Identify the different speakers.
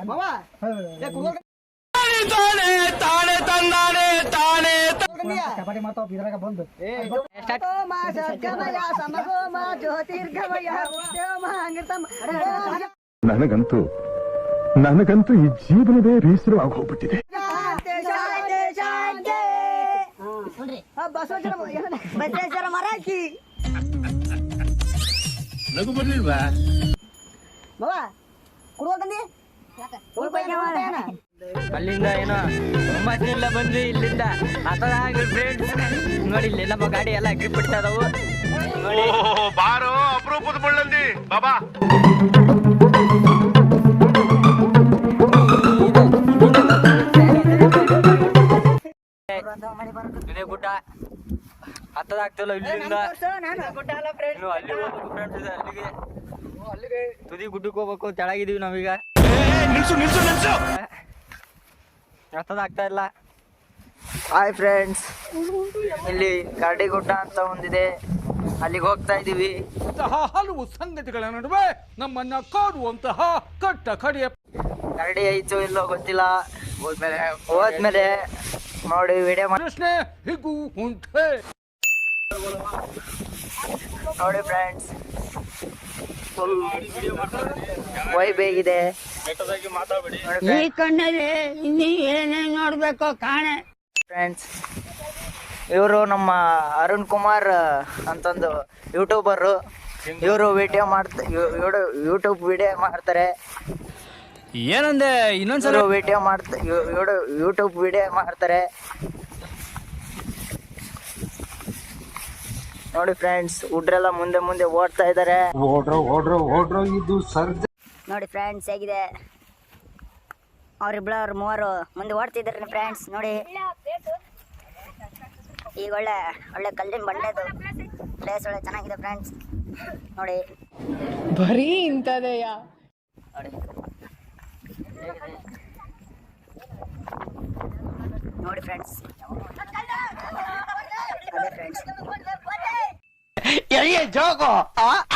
Speaker 1: ಕಬಡ್ಡಿ ಮಾಡ್ತಾವ ಇದ್ರಾಗ ಬಂದು
Speaker 2: ನನಗಂತೂ ಈ ಜೀವನವೇ ಬೇಸರವಾಗಿ ಹೋಗ್ಬಿಟ್ಟಿದೆ.
Speaker 3: ಬಸವೇಶ್ವರ ಮರಾಠಿ
Speaker 4: ನಗು ಬರ್ಲಿಲ್ವಾ
Speaker 5: ಅಲ್ಲಿಂದ ಏನೋ ಒಂಬತ್ತಿನಿಂದ ಬಂದ್ವಿ ಇಲ್ಲಿಂದ ಫ್ರೆಂಡ್ಸ್ ನೋಡಿ ಇಲ್ಲಿ ನಮ್ಮ ಗಾಡಿ ಎಲ್ಲ ಗ್ರಿಪ್ ಬಿಡ್ತಾ ಇದಾವು ನೋಡಿ.
Speaker 4: ಬಾರೋ ಅಪರೂಪದ ಮುಳ್ಳಂದಿ ಬಾಬಾ.
Speaker 5: ಇದೇ ಗುಡ್ಡ ಹತ್ತದಾಗ್ತಿಲ್ಲ ಇಲ್ಲಿಂದ ಅಲ್ಲಿಗೆ ತುದಿ ಗುಡ್ಡಕ್ಕೆ ಹೋಗ್ಬೇಕು. ತೆಳಗಿದೀವಿ ನಾವೀಗ, ಹತ್ತದಾಗ್ತಾ ಇಲ್ಲ. ಹಾಯ್ ಫ್ರೆಂಡ್ಸ್, ಇಲ್ಲಿ ಕರಡಿ ಗುಡ್ಡ ಅಂತ ಒಂದಿದೆ, ಅಲ್ಲಿಗೆ ಹೋಗ್ತಾ ಇದೀವಿ.
Speaker 6: ಹಲವು ಸಂಗತಿಗಳ ನಡುವೆ ನಮ್ಮನ್ನ ಕಾಡುವಂತಹ ಕಟ್ಟ ಕಡೆಯ
Speaker 5: ಕರಡಿ ಐತೋ ಇಲ್ಲೋ ಗೊತ್ತಿಲ್ಲ. ಹೋದ್ಮೇಲೆ ನೋಡಿ ವಿಡಿಯೋ
Speaker 6: ಪ್ರಶ್ನೆ ಹೀಗೂ ಉಂಟೆ.
Speaker 5: ನೋಡಿ ಫ್ರೆಂಡ್ಸ್, ಫುಲ್ ವೈಬ್ ಹೇಗಿದೆ.
Speaker 3: ಈ ಕಣ್ಣಲ್ಲಿ ಇನ್ನೀ ಏನೇನ್ ನೋಡ್ಬೇಕು ಕಾಣೆ.
Speaker 5: ಫ್ರೆಂಡ್ಸ್, ಇವರು ನಮ್ಮ ಅರುಣ್ ಕುಮಾರ್ ಅಂತಂದು ಯೂಟ್ಯೂಬರು. ಇವರು ಯೂಟ್ಯೂಬ್ ವಿಡಿಯೋ ಮಾಡ್ತಾರೆ.
Speaker 6: ಏನಂದೆ ಇನ್ನೊಂದ್ಸಲ
Speaker 5: ಯೂಟ್ಯೂಬ್ ವಿಡಿಯೋ ಮಾಡ್ತಾರೆ. ನೋಡಿ ಫ್ರೆಂಡ್ಸ್, ಹುಡ್ರೆಲ್ಲ ಮುಂದೆ ಮುಂದೆ ಓಡ್ತಾ ಇದ್ದಾರೆ.
Speaker 3: ನೋಡಿ ಫ್ರೆಂಡ್ಸ್ ಹೇಗಿದೆ, ಅವ್ರಿಬ್ಳವ್ರು ಮೂವರು ಮುಂದೆ ಓಡ್ತಿದ್ದಾರೆ ಫ್ರೆಂಡ್ಸ್. ನೋಡಿ ಈಗ ಒಳ್ಳೆ ಒಳ್ಳೆ ಕಲ್ಲಿನ ಬಂಡೆದು ಪ್ಲೇಸ್ ಒಳ್ಳೆ ಚೆನ್ನಾಗಿದೆ ಫ್ರೆಂಡ್ಸ್. ನೋಡಿ
Speaker 7: ಬರೀ ಇಂಥದೆಯಾ
Speaker 3: ನೋಡಿ ಫ್ರೆಂಡ್ಸ್, ಅದೇ ಫ್ರೆಂಡ್ಸ್
Speaker 5: ಜೋಗು